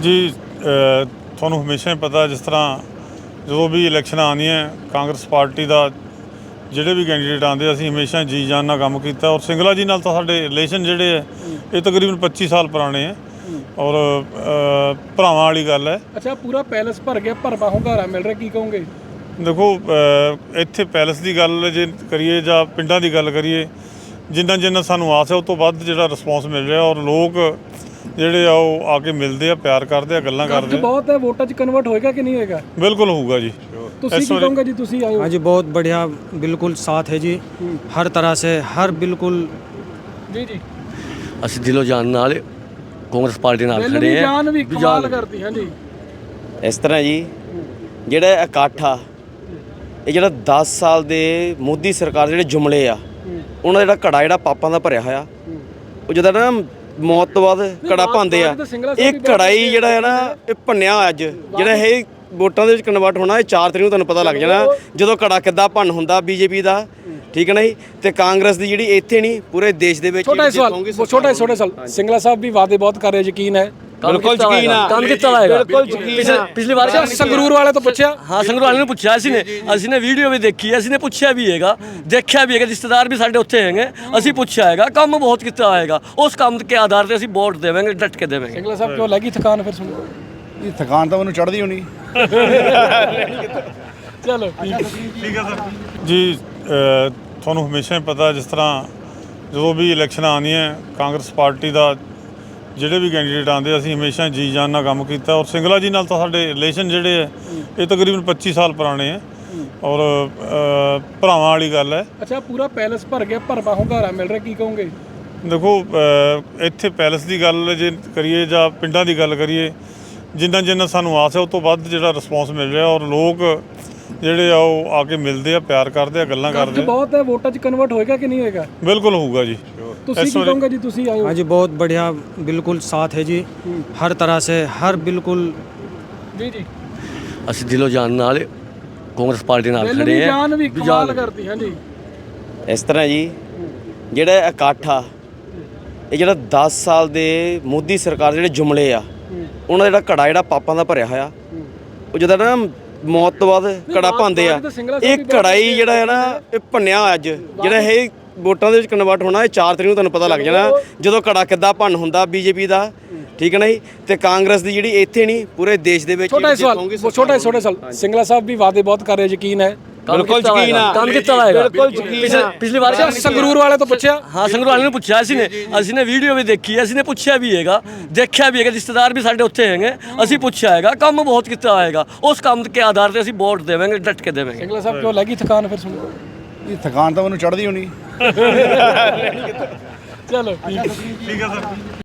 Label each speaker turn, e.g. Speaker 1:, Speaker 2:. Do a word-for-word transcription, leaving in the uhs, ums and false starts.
Speaker 1: जी ਤੁਹਾਨੂੰ ਹਮੇਸ਼ਾ ਹੀ ਪਤਾ ਜਿਸ ਤਰ੍ਹਾਂ ਜਦੋਂ ਵੀ ਇਲੈਕਸ਼ਨਾਂ ਆਉਂਦੀਆਂ ਕਾਂਗਰਸ ਪਾਰਟੀ ਦਾ ਜਿਹੜੇ ਵੀ ਕੈਂਡੀਡੇਟ ਆਉਂਦੇ ਅਸੀਂ ਹਮੇਸ਼ਾ ਜੀ ਜਾਨ ਨਾਲ ਕੰਮ ਕੀਤਾ ਔਰ ਸਿੰਗਲਾ ਜੀ ਨਾਲ ਤਾਂ ਸਾਡੇ ਰਿਲੇਸ਼ਨ ਜਿਹੜੇ ਹੈ ਇਹ ਤਕਰੀਬਨ ਪੱਚੀ ਸਾਲ ਪੁਰਾਣੇ ਹੈ ਔਰ ਭਰਾਵਾਂ ਵਾਲੀ ਗੱਲ ਹੈ।
Speaker 2: ਅੱਛਾ ਪੂਰਾ ਪੈਲਸ ਭਰ ਗਿਆ, ਭਰਵਾ ਹੁੰਗਾਰਾ ਮਿਲ ਰਿਹਾ, ਕੀ ਕਹੋਗੇ?
Speaker 1: ਦੇਖੋ ਇੱਥੇ ਪੈਲਸ ਦੀ ਗੱਲ ਜੇ ਕਰੀਏ ਜਾਂ ਪਿੰਡਾਂ ਦੀ ਗੱਲ ਕਰੀਏ, ਜਿੰਨਾ ਜਿੰਨਾ ਸਾਨੂੰ ਆਸ ਹੈ ਉਸ ਤੋਂ ਵੱਧ ਜਿਹੜਾ ਰਿਸਪੌਂਸ ਮਿਲ ਰਿਹਾ ਔਰ ਲੋਕ ਜਿਹੜੇ ਆ ਉਹ ਆ ਕੇ ਮਿਲਦੇ ਆ, ਪਿਆਰ ਕਰਦੇ ਆ, ਗੱਲਾਂ ਕਰਦੇ ਆ।
Speaker 2: ਬਹੁਤ ਹੈ, ਵੋਟਾਂ 'ਚ ਕਨਵਰਟ ਹੋਏਗਾ ਕਿ ਨਹੀਂ ਹੋਏਗਾ?
Speaker 1: ਬਿਲਕੁਲ ਹੋਊਗਾ ਜੀ।
Speaker 2: ਤੁਸੀਂ ਕੀ ਕਹੋਗੇ ਜੀ? ਤੁਸੀਂ ਆਏ ਹੋ।
Speaker 3: हाँ जी, बहुत बढ़िया, बिल्कुल साथ है जी, हर तरह से, हर बिल्कुल
Speaker 2: ਜੀ ਜੀ
Speaker 4: ਅਸੀਂ ਦਿਲੋਂ ਜਾਨ ਨਾਲ ਕਾਂਗਰਸ ਪਾਰਟੀ ਨਾਲ ਖੜੇ ਆ।
Speaker 2: ਜਾਨ ਵੀ ਕਮਾਲ ਕਰਦੀ ਹਾਂ ਜੀ।
Speaker 5: ਇਸ ਤਰ੍ਹਾਂ ਜੀ ਜਿਹੜਾ ਇਕੱਠ ਆ ਇਹ ਜਿਹੜਾ ਦਸ ਸਾਲ ਦੇ ਮੋਦੀ ਸਰਕਾਰ ਜਿਹੜੇ ਜੁਮਲੇ ਆ ਉਹਨਾਂ ਦਾ ਜਿਹੜਾ ਘੜਾ ਜਿਹੜਾ ਪਾਪਾਂ ਦਾ ਭਰਿਆ ਹੋਇਆ ਉਹ ਜਦੋਂ ਨਾ ਮੌਤ ਤੋਂ ਬਾਅਦ ਘੜਾ ਪਾਉਂਦੇ ਆ, ਇਹ ਘੜਾ ਹੀ ਜਿਹੜਾ ਹੈ ਨਾ ਇਹ ਭੰਨਿਆ ਅੱਜ ਜਿਹੜਾ ਇਹ ਵੋਟਾਂ ਦੇ ਵਿੱਚ ਕਨਵਰਟ ਹੋਣਾ ਇਹ ਚਾਰ ਤਰੀਕ ਨੂੰ ਤੁਹਾਨੂੰ ਪਤਾ ਲੱਗ ਜਾਣਾ ਜਦੋਂ ਘੜਾ ਕਿੱਦਾਂ ਭੰਨ ਹੁੰਦਾ ਬੀਜੇਪੀ ਦਾ। ਠੀਕ ਹੈ ਨਾ ਜੀ। ਤੇ ਕਾਂਗਰਸ ਦੀ ਜਿਹੜੀ ਇੱਥੇ ਨਹੀਂ ਪੂਰੇ ਦੇਸ਼ ਦੇ ਵਿੱਚ
Speaker 2: ਛੋਟਾ ਸਵਾਲ ਛੋਟਾ ਛੋਟਾ ਸਵਾਲ ਸਿੰਗਲਾ ਸਾਹਿਬ ਵੀ ਵਾਅਦੇ ਬਹੁਤ ਕਰ ਰਹੇ, ਯਕੀਨ ਹੈ?
Speaker 4: ਬਿਲਕੁਲ ਯਕੀਨ ਆ, ਕੰਮ ਕੀਤਾ ਹੋਏਗਾ, ਬਿਲਕੁਲ ਯਕੀਨ ਆ। ਪਿਛਲੀ ਵਾਰ
Speaker 2: ਸੰਗਰੂਰ ਵਾਲੇ ਤੋਂ ਪੁੱਛਿਆ?
Speaker 4: ਹਾਂ, ਸੰਗਰੂਰ ਵਾਲੇ ਨੂੰ ਪੁੱਛਿਆ ਅਸੀਂ ਨੇ, ਅਸੀਂ ਨੇ ਵੀਡੀਓ ਵੀ ਦੇਖੀ, ਅਸੀਂ ਨੇ ਪੁੱਛਿਆ ਵੀ ਹੈਗਾ, ਦੇਖਿਆ ਵੀ ਹੈਗਾ, ਰਿਸ਼ਤੇਦਾਰ ਵੀ ਸਾਡੇ ਉੱਥੇ ਹੈਗੇ, ਅਸੀਂ ਪੁੱਛਿਆ ਹੈਗਾ, ਕੰਮ ਬਹੁਤ ਕੀਤਾ ਹੋਏਗਾ, ਉਸ ਕੰਮ ਦੇ ਆਧਾਰ ਤੇ ਅਸੀਂ ਵੋਟ ਦੇਵਾਂਗੇ, ਡਟ ਕੇ ਦੇਵਾਂਗੇ।
Speaker 2: ਸਿੰਗਲਾ ਸਾਹਿਬ ਕਿਉਂ ਲੱਗੀ ਥਕਾਨ ਫਿਰ ਸੁਣੋ?
Speaker 6: ਇਹ ਥਕਾਨ ਤਾਂ ਮੈਨੂੰ ਚੜ੍ਹਦੀ ਹੋਣੀ।
Speaker 2: ਚਲੋ
Speaker 1: ਠੀਕ ਹੈ ਸਰ ਜੀ। ਤੁਹਾਨੂੰ ਹਮੇਸ਼ਾ ਹੀ ਪਤਾ ਜਿਸ ਤਰ੍ਹਾਂ ਜਦੋਂ ਵੀ ਇਲੈਕਸ਼ਨਾਂ ਆਉਂਦੀਆਂ ਕਾਂਗਰਸ ਪਾਰਟੀ ਦਾ ਜਿਹੜੇ ਵੀ ਕੈਂਡੀਡੇਟ ਆਉਂਦੇ ਅਸੀਂ ਹਮੇਸ਼ਾ ਜੀ ਜਾਨ ਨਾਲ ਕੰਮ ਕੀਤਾ ਔਰ ਸਿੰਗਲਾ ਜੀ ਨਾਲ ਤਾਂ ਸਾਡੇ ਰਿਲੇਸ਼ਨ ਜਿਹੜੇ ਹੈ ਇਹ ਤਕਰੀਬਨ ਪੱਚੀ ਸਾਲ ਪੁਰਾਣੇ ਹੈ ਔਰ ਭਰਾਵਾਂ ਵਾਲੀ ਗੱਲ ਹੈ।
Speaker 2: ਅੱਛਾ ਪੂਰਾ ਪੈਲਸ ਭਰ ਗਿਆ, ਭਰਵਾ ਹੁੰਗਾਰਾ ਮਿਲ ਰਿਹਾ, ਕੀ ਕਹੋਗੇ?
Speaker 1: ਦੇਖੋ ਇੱਥੇ ਪੈਲਸ ਦੀ ਗੱਲ ਜੇ ਕਰੀਏ ਜਾਂ ਪਿੰਡਾਂ ਦੀ ਗੱਲ ਕਰੀਏ, ਜਿੰਨਾ ਜਿੰਨਾ ਸਾਨੂੰ ਆਸ ਹੈ ਉਸ ਤੋਂ ਵੱਧ ਜਿਹੜਾ ਰਿਸਪੌਂਸ ਮਿਲ ਰਿਹਾ ਔਰ ਲੋਕ ਜਿਹੜੇ ਆ ਉਹ ਆ ਕੇ ਮਿਲਦੇ ਆ, ਪਿਆਰ ਕਰਦੇ ਆ, ਗੱਲਾਂ ਕਰਦੇ ਆ।
Speaker 2: ਬਹੁਤ ਹੈ, ਵੋਟਾਂ 'ਚ ਕਨਵਰਟ ਹੋਏਗਾ ਕਿ ਨਹੀਂ ਹੋਏਗਾ?
Speaker 1: ਬਿਲਕੁਲ ਹੋਊਗਾ ਜੀ।
Speaker 2: ਤੁਸੀਂ ਕੀ ਕਹੋਗੇ ਜੀ? ਤੁਸੀਂ ਆਏ ਹੋ।
Speaker 3: हाँ जी, बहुत बढ़िया, बिल्कुल साथ है जी, हर तरह से, हर बिल्कुल
Speaker 2: ਜੀ ਜੀ
Speaker 4: ਅਸੀਂ ਦਿਲੋਂ ਜਾਨ ਨਾਲ ਕਾਂਗਰਸ ਪਾਰਟੀ ਨਾਲ ਖੜੇ ਆ।
Speaker 2: ਜਾਨ ਵੀ ਕਮਾਲ ਕਰਦੀ ਹਾਂ ਜੀ।
Speaker 5: ਇਸ ਤਰ੍ਹਾਂ ਜੀ ਜਿਹੜਾ ਇਕੱਠ ਆ ਇਹ ਜਿਹੜਾ ਦਸ ਸਾਲ ਦੇ ਮੋਦੀ ਸਰਕਾਰ ਜਿਹੜੇ ਜੁਮਲੇ ਆ ਉਹਨਾਂ ਦਾ ਜਿਹੜਾ ਘੜਾ ਜਿਹੜਾ ਪਾਪਾਂ ਦਾ ਭਰਿਆ ਹੋਇਆ ਉਹ ਜਦੋਂ ਨਾ ਮੌਤ ਤੋਂ ਬਾਅਦ ਘੜਾ ਪਾਉਂਦੇ ਆ, ਇਹ ਘੜਾ ਹੀ ਜਿਹੜਾ ਹੈ ਨਾ ਇਹ ਭੰਨਿਆ ਅੱਜ ਜਿਹੜਾ ਇਹ ਵੋਟਾਂ ਦੇ ਵਿੱਚ ਕਨਵਰਟ ਹੋਣਾ ਇਹ ਚਾਰ ਤਰੀਕ ਨੂੰ ਤੁਹਾਨੂੰ ਪਤਾ ਲੱਗ ਜਾਣਾ ਜਦੋਂ ਘੜਾ ਕਿੱਦਾਂ ਭੰਨ ਹੁੰਦਾ ਬੀਜੇਪੀ ਦਾ। ਠੀਕ ਹੈ ਨਾ ਜੀ। ਤੇ ਕਾਂਗਰਸ ਦੀ ਜਿਹੜੀ ਇੱਥੇ ਨਹੀਂ ਪੂਰੇ ਦੇਸ਼ ਦੇ ਵਿੱਚ
Speaker 2: ਛੋਟਾ ਸਵਾਲ ਛੋਟਾ ਛੋਟਾ ਸਵਾਲ ਸਿੰਗਲਾ ਸਾਹਿਬ ਵੀ ਵਾਅਦੇ ਬਹੁਤ ਕਰ ਰਹੇ, ਯਕੀਨ ਹੈ?
Speaker 4: ਬਿਲਕੁਲ ਯਕੀਨ ਆ, ਕੰਮ ਕੀਤਾ ਹੋਏਗਾ, ਬਿਲਕੁਲ ਯਕੀਨ ਆ। ਪਿਛਲੀ ਵਾਰ
Speaker 2: ਸੰਗਰੂਰ ਵਾਲੇ ਤੋਂ ਪੁੱਛਿਆ?
Speaker 4: ਹਾਂ, ਸੰਗਰੂਰ ਵਾਲੇ ਨੂੰ ਪੁੱਛਿਆ ਅਸੀਂ ਨੇ, ਅਸੀਂ ਨੇ ਵੀਡੀਓ ਵੀ ਦੇਖੀ, ਅਸੀਂ ਨੇ ਪੁੱਛਿਆ ਵੀ ਹੈਗਾ, ਦੇਖਿਆ ਵੀ ਹੈਗਾ, ਰਿਸ਼ਤੇਦਾਰ ਵੀ ਸਾਡੇ ਉੱਥੇ ਹੈਗੇ, ਅਸੀਂ ਪੁੱਛਿਆ ਹੈਗਾ, ਕੰਮ ਬਹੁਤ ਕੀਤਾ ਹੋਏਗਾ, ਉਸ ਕੰਮ ਦੇ ਆਧਾਰ ਤੇ ਅਸੀਂ ਵੋਟ ਦੇਵਾਂਗੇ, ਡਟ ਕੇ ਦੇਵਾਂਗੇ।
Speaker 2: ਸਿੰਗਲਾ ਸਾਹਿਬ ਕਿਉਂ ਲੱਗੀ ਥਕਾਨ ਫਿਰ ਸੁਣੋ?
Speaker 6: ਇਹ ਥਕਾਨ ਤਾਂ ਮੈਨੂੰ ਚੜ੍ਹਦੀ ਹੋਣੀ।
Speaker 2: ਚਲੋ
Speaker 1: ਠੀਕ ਹੈ ਸਰ।